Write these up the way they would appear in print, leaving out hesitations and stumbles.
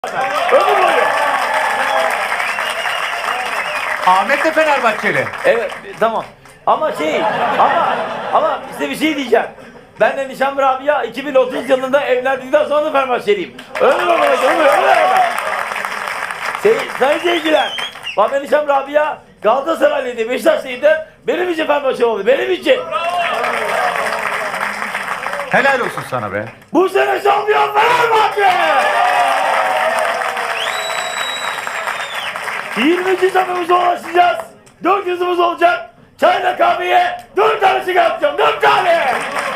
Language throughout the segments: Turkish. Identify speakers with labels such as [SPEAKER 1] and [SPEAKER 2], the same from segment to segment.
[SPEAKER 1] Ömür boyu.
[SPEAKER 2] Ahmet de Fenerbahçeli.
[SPEAKER 1] Evet tamam. Ama ama size bir şey diyeceğim. Ben de Nişan Rabia 2030 yılında evlendikten sonra da Fenerbahçeliyim. Ömür ömür. Sayın seyirciler, bak ben Nişan Rabia Galatasaraylıydı, Beşiktaşlıydı. Benim için Fenerbahçe oldu. Benim için.
[SPEAKER 2] Helal olsun sana be.
[SPEAKER 1] Bu sene şampiyon Fenerbahçe! 20. şampiyonumuza ulaşacağız. 400'ümüz olacak. Çayla kahveye 4 tane sigara yapacağım. 4 tane!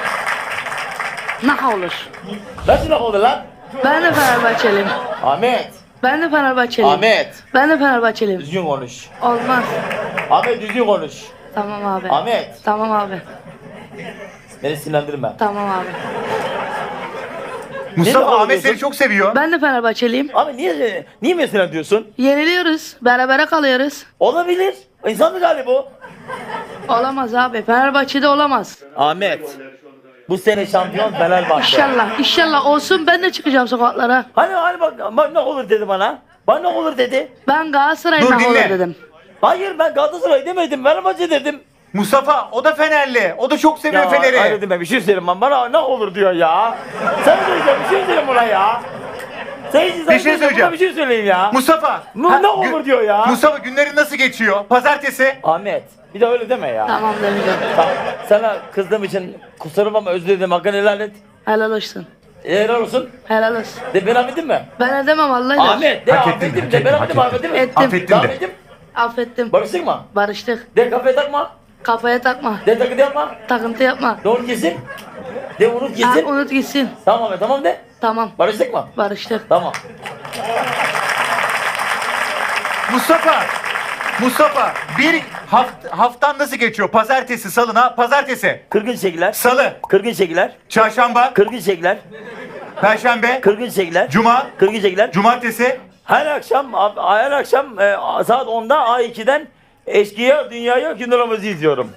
[SPEAKER 3] Ne olur.
[SPEAKER 1] Nasıl laf oldu lan?
[SPEAKER 3] Ben de Fenerbahçeliyim.
[SPEAKER 1] Ahmet.
[SPEAKER 3] Ben de Fenerbahçeliyim.
[SPEAKER 1] Ahmet.
[SPEAKER 3] Ben de Fenerbahçeliyim.
[SPEAKER 1] Düzgün konuş.
[SPEAKER 3] Olmaz.
[SPEAKER 1] Ahmet düzgün konuş.
[SPEAKER 3] Tamam abi.
[SPEAKER 1] Ahmet.
[SPEAKER 3] Tamam abi.
[SPEAKER 1] Beni sinirlendirme.
[SPEAKER 3] Tamam abi.
[SPEAKER 2] Mustafa
[SPEAKER 1] Ne
[SPEAKER 2] Ahmet
[SPEAKER 1] diyorsun?
[SPEAKER 2] seni çok seviyor.
[SPEAKER 3] Ben de Fenerbahçeliyim.
[SPEAKER 1] Abi niye mesela diyorsun?
[SPEAKER 3] Yeniliyoruz. Berabere kalıyoruz.
[SPEAKER 1] Olabilir. İnsanlık hali bu.
[SPEAKER 3] Olamaz abi. Fenerbahçe'de olamaz.
[SPEAKER 1] Ahmet. Bu sene şampiyon Fenerbahçe.
[SPEAKER 3] İnşallah. İnşallah olsun, ben de çıkacağım sokaklara.
[SPEAKER 1] Hani bak ne olur dedi bana. Bana ne olur dedi.
[SPEAKER 3] Ben Galatasaray'ın
[SPEAKER 2] Dur,
[SPEAKER 3] ne olur
[SPEAKER 2] dinle.
[SPEAKER 3] dedim.
[SPEAKER 1] Hayır ben Galatasaray demedim. Fenerbahçe dedim.
[SPEAKER 2] Mustafa o da Fenerli. O da çok seviyor Fener'i.
[SPEAKER 1] Hayır dedim ben bir şey söyleyeyim ben. Bana ne olur diyor ya. Sen söyleyeceğim bir şey söyleyeyim buna ya.
[SPEAKER 2] Bir şey söyleyeceğim.
[SPEAKER 1] Bir şey söyleyeyim ya.
[SPEAKER 2] Mustafa.
[SPEAKER 1] Ne olur diyor ya.
[SPEAKER 2] Mustafa günlerin nasıl geçiyor? Pazartesi.
[SPEAKER 1] Ahmet bir de öyle deme ya.
[SPEAKER 3] Tamam demeyeceğim.
[SPEAKER 1] Tamam. Sana kızdığım için kusurum ama özür dilerim. Hakkını helal et.
[SPEAKER 3] Helal olsun.
[SPEAKER 1] Helal olsun.
[SPEAKER 3] Helal olsun.
[SPEAKER 1] De ben affettin mi?
[SPEAKER 3] Ben edemem Allah'ıyla.
[SPEAKER 1] Ahmet de
[SPEAKER 2] Hak ettin,
[SPEAKER 1] affettim
[SPEAKER 2] hak
[SPEAKER 1] de
[SPEAKER 2] ettin,
[SPEAKER 1] ben
[SPEAKER 2] hak
[SPEAKER 1] affettim
[SPEAKER 2] ettin.
[SPEAKER 1] affettim mi?
[SPEAKER 3] Ettim.
[SPEAKER 2] Affettin de.
[SPEAKER 1] Affettim.
[SPEAKER 3] Affettim.
[SPEAKER 1] Barıştık mı?
[SPEAKER 3] Barıştık.
[SPEAKER 1] De kafaya takma.
[SPEAKER 3] Kafaya takma.
[SPEAKER 1] De takıntı yapma.
[SPEAKER 3] Takıntı yapma.
[SPEAKER 1] De unut gitsin. De unut
[SPEAKER 3] Ha,
[SPEAKER 1] gitsin.
[SPEAKER 3] unut gitsin.
[SPEAKER 1] Tamam Ahmet tamam de.
[SPEAKER 3] Tamam.
[SPEAKER 1] Barıştık mı?
[SPEAKER 3] Barıştık.
[SPEAKER 1] Tamam.
[SPEAKER 2] Mustafa bir haftan nasıl geçiyor? Pazartesi, salına, pazartesi,
[SPEAKER 1] Kırgın şekiller.
[SPEAKER 2] salı,
[SPEAKER 1] Kırgın şekiller.
[SPEAKER 2] çarşamba,
[SPEAKER 1] Kırgın şekiller.
[SPEAKER 2] perşembe,
[SPEAKER 1] Kırgın şekiller.
[SPEAKER 2] cuma,
[SPEAKER 1] Kırgın şekiller.
[SPEAKER 2] cumartesi.
[SPEAKER 1] Her akşam saat 10'da A2'den Eşkıya Dünyaya Günlerimizi izliyorum.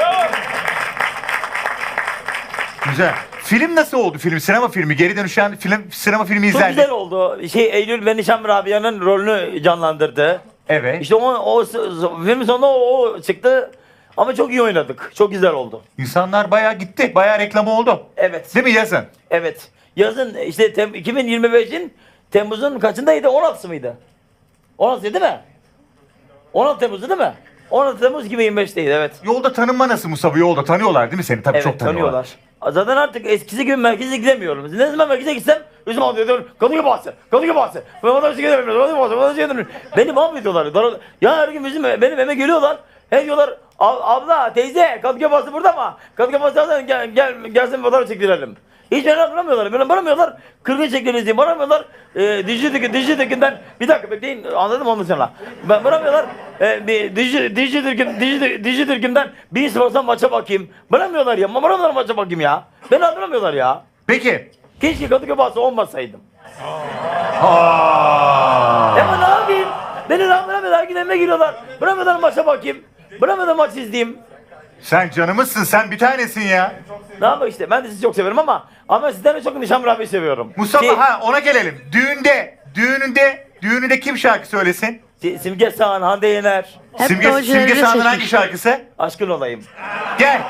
[SPEAKER 2] Güzel. Film nasıl oldu film? Sinema filmi. Geri dönüşen sinema filmi
[SPEAKER 1] Çok
[SPEAKER 2] izlendi.
[SPEAKER 1] güzel oldu. Eylül ve Nişan Rabia'nın rolünü canlandırdı.
[SPEAKER 2] Evet.
[SPEAKER 1] İşte o filmin sonunda o çıktı. Ama çok iyi oynadık. Çok güzel oldu.
[SPEAKER 2] İnsanlar bayağı gitti. Bayağı reklamı oldu.
[SPEAKER 1] Evet.
[SPEAKER 2] Değil mi yazın?
[SPEAKER 1] Evet. Yazın işte 2025'in Temmuz'un kaçındaydı? 16'sı mıydı? 16 değil mi? 16 Temmuz'du değil mi? 16 Temmuz 2025'teydi evet.
[SPEAKER 2] Yolda tanınma nasıl Mustafa? Yolda tanıyorlar değil mi seni? Tabii
[SPEAKER 1] Evet
[SPEAKER 2] çok tanıyorlar.
[SPEAKER 1] Zaten artık eskisi gibi merkeze gidemiyorum. Ne zaman merkeze gitsem üzüm alıyor diyorum. Kadıköy bahçesi. Ben vatandaşı gidemiyorum. Beni mahvediyorlar. Ya her gün benim eve geliyorlar. Hey diyorlar abla teyze Kadıköy bahçesi burada mı? Kadıköy bahçesi gelsin fotoğraf çektirelim. Hiç beni aramıyorlar. Beni aramıyorlar. Kırgın çektiğiniz diye aramıyorlar. Dijitürk'ünden bir dakika bekleyin anladım ondan sonra. Ben aramıyorlar. Dijitürk'ünden bir sporsan maça bakayım. Aramıyorlar ya. Aramıyorlar maça bakayım ya. Beni aramıyorlar ya.
[SPEAKER 2] Peki.
[SPEAKER 1] Keşke Kadıköy bahçesi olmasaydım.
[SPEAKER 2] Aa.
[SPEAKER 1] Ama ne yapayım? Beni aramıyorlar. Her gün evime giriyorlar. Aramıyorlar maça bakayım. Aramıyorlar maç izleyeyim.
[SPEAKER 2] Sen canımızsın. Sen bir tanesin ya.
[SPEAKER 1] Ne yapayım işte ben de sizi çok severim ama sizden de çok Nişan Rabia'yı seviyorum.
[SPEAKER 2] Mustafa ona gelelim. Düğününde kim şarkı söylesin?
[SPEAKER 1] Simge Sağan, Hande Yener.
[SPEAKER 3] Hep de o
[SPEAKER 2] Simge
[SPEAKER 3] jeneriği
[SPEAKER 2] Sağ'ın hangi
[SPEAKER 3] seçmişler.
[SPEAKER 2] şarkısı?
[SPEAKER 1] Aşkın olayım.
[SPEAKER 2] Gel.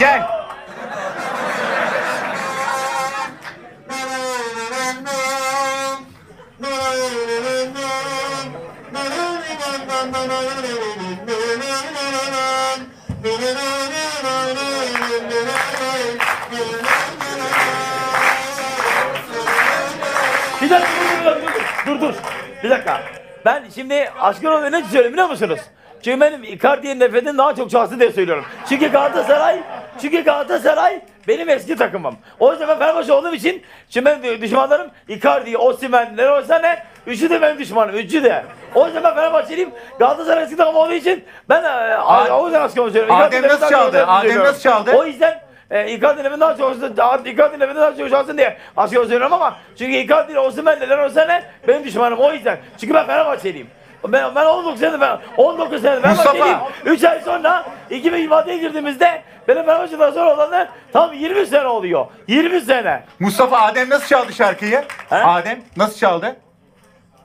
[SPEAKER 1] Bir dakika dur. Bir dakika. Ben şimdi Aşkın olayım ne söyleyeyim biliyor musunuz? Çünkü benim Icardi'nin nefretim daha çok şahsı diye söylüyorum. Çünkü Galatasaray benim eski takımım. O yüzden ben Fenerbahçe olduğum için şimdi benim düşmanlarım Icardi, Osimhen, Leroy Sané, üçü de benim düşmanım, üçü de. O yüzden ben Fenerbahçeliyim. Galatasaray eski takım olduğu için ben o yüzden Aşkın olayım söylüyorum.
[SPEAKER 2] Adem nasıl çaldı?
[SPEAKER 1] O yüzden Icardi'nin evinden daha çok şansın diye Aşkın söylüyorum ama çünkü Icardi ile Osimhen, Leroy Sané benim düşmanım o yüzden. Çünkü ben Fenerbahçeliyim. Ben 19 senedir Fenerbahçeliyim. 3 ay sonra 2026'ya girdiğimizde benim Fenerbahçe'den sonra olanlar tam 20 sene oluyor. 20 sene.
[SPEAKER 2] Mustafa Adem nasıl çaldı şarkıyı?
[SPEAKER 1] He?
[SPEAKER 2] Adem nasıl çaldı?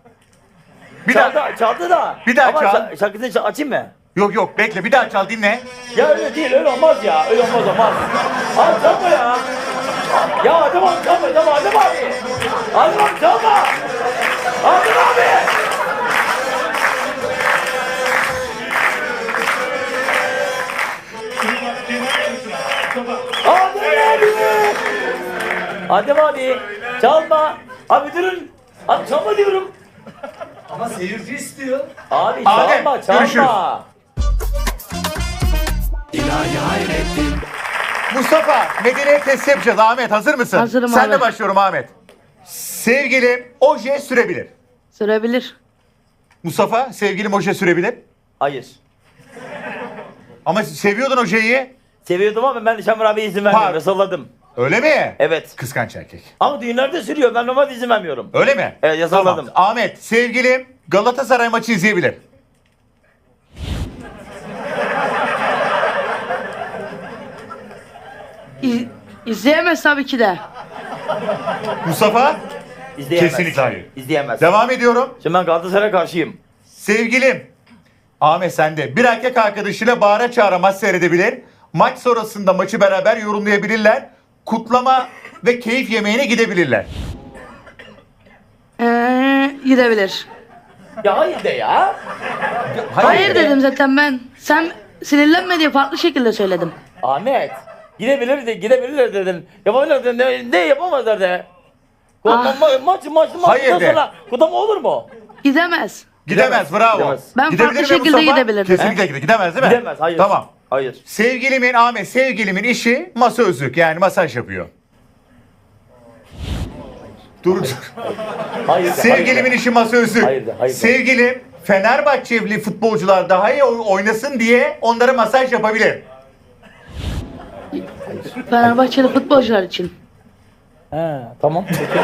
[SPEAKER 2] Bir
[SPEAKER 1] çaldı,
[SPEAKER 2] daha.
[SPEAKER 1] çaldı da.
[SPEAKER 2] Bir daha
[SPEAKER 1] Ama
[SPEAKER 2] çal.
[SPEAKER 1] şarkısını açayım mı?
[SPEAKER 2] Yok yok bekle bir daha çal dinle.
[SPEAKER 1] Ya öyle değil, öyle olmaz ya. Öyle olmaz. Abi çalma ya. Ya Adem abi çalma, Adem abi. Adem abi çalma. Adem abi. Adem abi çalma. Abi durun. Abi çalma diyorum.
[SPEAKER 4] Ama seyirci istiyor.
[SPEAKER 1] Abi
[SPEAKER 2] Adem,
[SPEAKER 1] çalma.
[SPEAKER 2] görüşürüz. Mustafa medeniyet testi yapacağız. Ahmet hazır mısın?
[SPEAKER 3] Hazırım
[SPEAKER 2] Sen de
[SPEAKER 3] abi.
[SPEAKER 2] başlıyorum Ahmet. Sevgilim oje sürebilir.
[SPEAKER 3] Sürebilir.
[SPEAKER 2] Mustafa sevgilim oje sürebilir.
[SPEAKER 1] Hayır.
[SPEAKER 2] Ama seviyordun ojeyi.
[SPEAKER 1] Seviyordum ama ben Şamur abiye izin vermiyorum.
[SPEAKER 2] Pardon.
[SPEAKER 1] Yasalladım.
[SPEAKER 2] Öyle mi?
[SPEAKER 1] Evet.
[SPEAKER 2] Kıskanç erkek.
[SPEAKER 1] Ama düğünlerde sürüyor. Ben normalde izin vermiyorum.
[SPEAKER 2] Öyle mi?
[SPEAKER 1] Evet, yasakladım.
[SPEAKER 2] Tamam. Ahmet sevgilim Galatasaray maçı izleyebilir.
[SPEAKER 3] İzleyemez tabii ki de.
[SPEAKER 2] Mustafa
[SPEAKER 1] İzleyemez.
[SPEAKER 2] Kesinlikle hayır.
[SPEAKER 1] İzleyemez.
[SPEAKER 2] devam ediyorum.
[SPEAKER 1] Şimdi ben Galatasaray'a karşıyım.
[SPEAKER 2] Sevgilim Ahmet sende. Bir erkek arkadaşıyla bağıra çağıra maç seyredebilir. Maç sonrasında maçı beraber yorumlayabilirler. Kutlama ve keyif yemeğine gidebilirler.
[SPEAKER 3] Gidebilir.
[SPEAKER 1] Ya hayır de ya.
[SPEAKER 3] Hayır dedim zaten ben. Sen sinirlenme diye farklı şekilde söyledim.
[SPEAKER 1] Ahmet. Gidebilirler dedin. Yapabilirler dedin. Ne yapamazlar de.
[SPEAKER 3] Ah.
[SPEAKER 2] Hayır de.
[SPEAKER 1] Sonra kutlama olur mu?
[SPEAKER 3] Gidemez.
[SPEAKER 2] Gidemez bravo.
[SPEAKER 1] Gidemez.
[SPEAKER 3] Ben
[SPEAKER 2] Gidebilir
[SPEAKER 3] farklı
[SPEAKER 2] mi
[SPEAKER 3] şekilde
[SPEAKER 2] Mustafa?
[SPEAKER 3] gidebilir.
[SPEAKER 2] Kesinlikle gidemez değil mi?
[SPEAKER 1] Gidemez. Hayır.
[SPEAKER 2] Tamam.
[SPEAKER 1] Hayır.
[SPEAKER 2] Sevgilimin işi masözlük yani masaj yapıyor. Dur.
[SPEAKER 1] Hayır de.
[SPEAKER 2] Sevgilimin işi masözlük.
[SPEAKER 1] Hayır de, hayır de.
[SPEAKER 2] Sevgilim Fenerbahçeli futbolcular daha iyi oynasın diye onlara masaj yapabilir.
[SPEAKER 3] Fenerbahçeli futbolcular için.
[SPEAKER 1] He, tamam. Peki.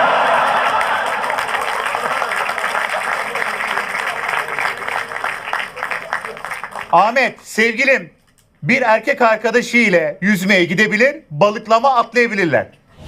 [SPEAKER 2] Ahmet, sevgilim bir erkek arkadaşı ile yüzmeye gidebilir, balıklama atlayabilirler.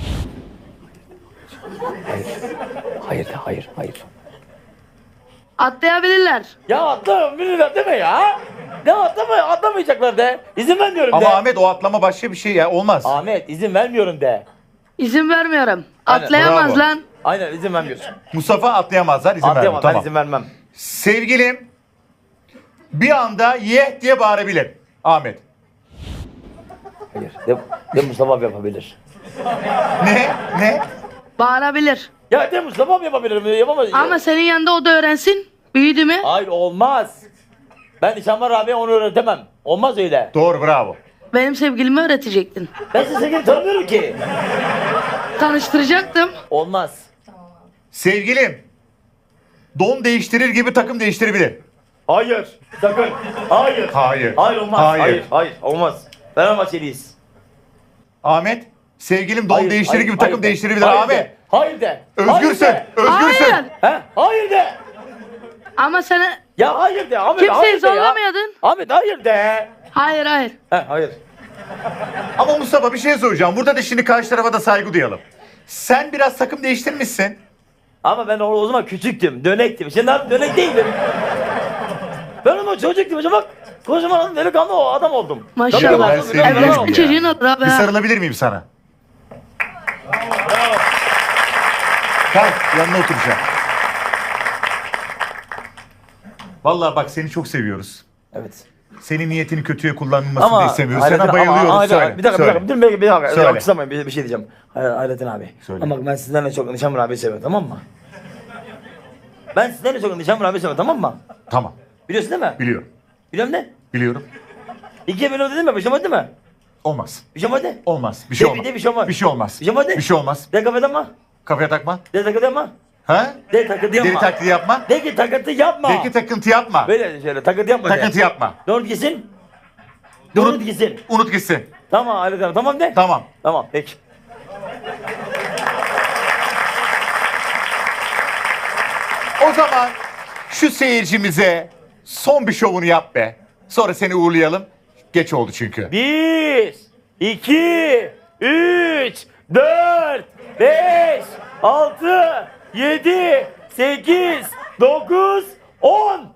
[SPEAKER 1] Hayır.
[SPEAKER 3] Atlayabilirler.
[SPEAKER 1] Ya atlamayacaklar deme ya. Ne atlamayacaklar de. İzin vermiyorum de.
[SPEAKER 2] Ama Ahmet o atlama başka bir şey ya olmaz.
[SPEAKER 1] Ahmet izin vermiyorum de.
[SPEAKER 3] İzin vermiyorum.
[SPEAKER 1] Aynen,
[SPEAKER 3] Atlayamaz
[SPEAKER 2] bravo.
[SPEAKER 3] lan.
[SPEAKER 1] Aynen izin vermiyorsun.
[SPEAKER 2] Mustafa atlayamazlar, izin vermiyor.
[SPEAKER 1] Atlayamam ben
[SPEAKER 2] Tamam.
[SPEAKER 1] izin vermem.
[SPEAKER 2] Sevgilim bir anda ye diye bağırabilir. Ahmet.
[SPEAKER 1] Hayır. De Mustafa abi yapabilir.
[SPEAKER 2] Ne?
[SPEAKER 3] Bağırabilir.
[SPEAKER 1] Ya de Mustafa abi yapabilir. Yapamaz.
[SPEAKER 3] Ama senin yanında o da öğrensin. Büyüdü mü?
[SPEAKER 1] Hayır olmaz. Ben Şamur abiye onu öğretemem. Olmaz öyle.
[SPEAKER 2] Doğru bravo.
[SPEAKER 3] Benim sevgilimi öğretecektin.
[SPEAKER 1] Ben sizi sevgili tanımıyorum ki.
[SPEAKER 3] Tanıştıracaktım.
[SPEAKER 1] Olmaz.
[SPEAKER 2] Sevgilim don değiştirir gibi takım değiştirebilir.
[SPEAKER 1] Hayır. Sakın. Hayır.
[SPEAKER 2] Hayır.
[SPEAKER 1] Hayır olmaz.
[SPEAKER 2] Hayır.
[SPEAKER 1] Hayır. Olmaz. Fenerbahçeliyiz.
[SPEAKER 2] Ahmet sevgilim don
[SPEAKER 1] Hayır,
[SPEAKER 2] değiştirir
[SPEAKER 1] hayır,
[SPEAKER 2] gibi
[SPEAKER 1] hayır
[SPEAKER 2] takım
[SPEAKER 1] de.
[SPEAKER 2] değiştirebilir
[SPEAKER 1] Hayır
[SPEAKER 2] Ahmet.
[SPEAKER 1] de. Hayır de.
[SPEAKER 2] Özgürsün.
[SPEAKER 1] Hayır de.
[SPEAKER 2] Özgürsün.
[SPEAKER 3] Hayır.
[SPEAKER 1] He? Hayır de.
[SPEAKER 3] Ama sana
[SPEAKER 1] Ya hayır de. Ahmet
[SPEAKER 3] kimseyi
[SPEAKER 1] hayır de ya.
[SPEAKER 3] zorlamayadın.
[SPEAKER 1] Ahmet hayır de.
[SPEAKER 3] Hayır.
[SPEAKER 1] He hayır.
[SPEAKER 2] Ama Mustafa bir şey soracağım. Burada da şimdi karşı tarafa da saygı duyalım. Sen biraz takım değiştirmişsin.
[SPEAKER 1] Ama ben o zaman küçüktüm. Dönektim. Şimdi abi dönek değilim. Ben ama çocuktum. Şimdi bak. Kocaman delikanlı o adam oldum.
[SPEAKER 3] Maşallah.
[SPEAKER 2] ben seni biliyorum
[SPEAKER 3] Evlensin
[SPEAKER 2] ya.
[SPEAKER 3] çocuğun olur abi.
[SPEAKER 2] Bir
[SPEAKER 3] ha.
[SPEAKER 2] sarılabilir miyim sana? Kalk yanına oturacağım. Vallahi bak seni çok seviyoruz.
[SPEAKER 1] Evet.
[SPEAKER 2] Senin niyetini kötüye kullanılmasını da istemiyoruz. Sana
[SPEAKER 1] Hayrettin-
[SPEAKER 2] bayılıyoruz.
[SPEAKER 1] ama-
[SPEAKER 2] Söyle.
[SPEAKER 1] Bir dakika.
[SPEAKER 2] söyle.
[SPEAKER 1] Dur bir dakika.
[SPEAKER 2] Söyle.
[SPEAKER 1] Alkışlamayın bir şey diyeceğim. Hayrettin abi.
[SPEAKER 2] Söyle.
[SPEAKER 1] Ama ben sizden de çok Nişanlı abi seviyorum tamam mı? Ben sizden de çok Nişanlı abi seviyorum tamam mı?
[SPEAKER 2] Tamam.
[SPEAKER 1] Biliyorsun değil mi?
[SPEAKER 2] Biliyorum.
[SPEAKER 1] Biliyorum ne?
[SPEAKER 2] Biliyorum.
[SPEAKER 1] İkiye bölüm dedim mi? Bir şey olmadı değil mi?
[SPEAKER 2] Olmaz.
[SPEAKER 1] Bir şey olmadı.
[SPEAKER 2] Olmaz. Bir şey
[SPEAKER 1] De-
[SPEAKER 2] olmaz.
[SPEAKER 1] de bir şey olmaz.
[SPEAKER 2] Bir şey olmaz.
[SPEAKER 1] Bir şey olmadı.
[SPEAKER 2] Bir şey olmaz.
[SPEAKER 1] De kafede ama.
[SPEAKER 2] Kafaya takma.
[SPEAKER 1] De takıntı yapma.
[SPEAKER 2] Ha?
[SPEAKER 1] De takıntı yapma.
[SPEAKER 2] Deli taklidi yapma.
[SPEAKER 1] De ki takıntı yapma.
[SPEAKER 2] De ki takıntı yapma.
[SPEAKER 1] Böyle şöyle takıntı yapma de.
[SPEAKER 2] Takıntı yapma.
[SPEAKER 1] Unut gitsin. Unut gitsin.
[SPEAKER 2] Unut gitsin.
[SPEAKER 1] Tamam Hayrettin abi tamam de.
[SPEAKER 2] Tamam.
[SPEAKER 1] Tamam peki.
[SPEAKER 2] O zaman şu seyircimize son bir şovunu yap be. Sonra seni uğurlayalım. Geç oldu çünkü.
[SPEAKER 1] 1, 2, 3, 4, 5, 6, 7, 8, 9, 10.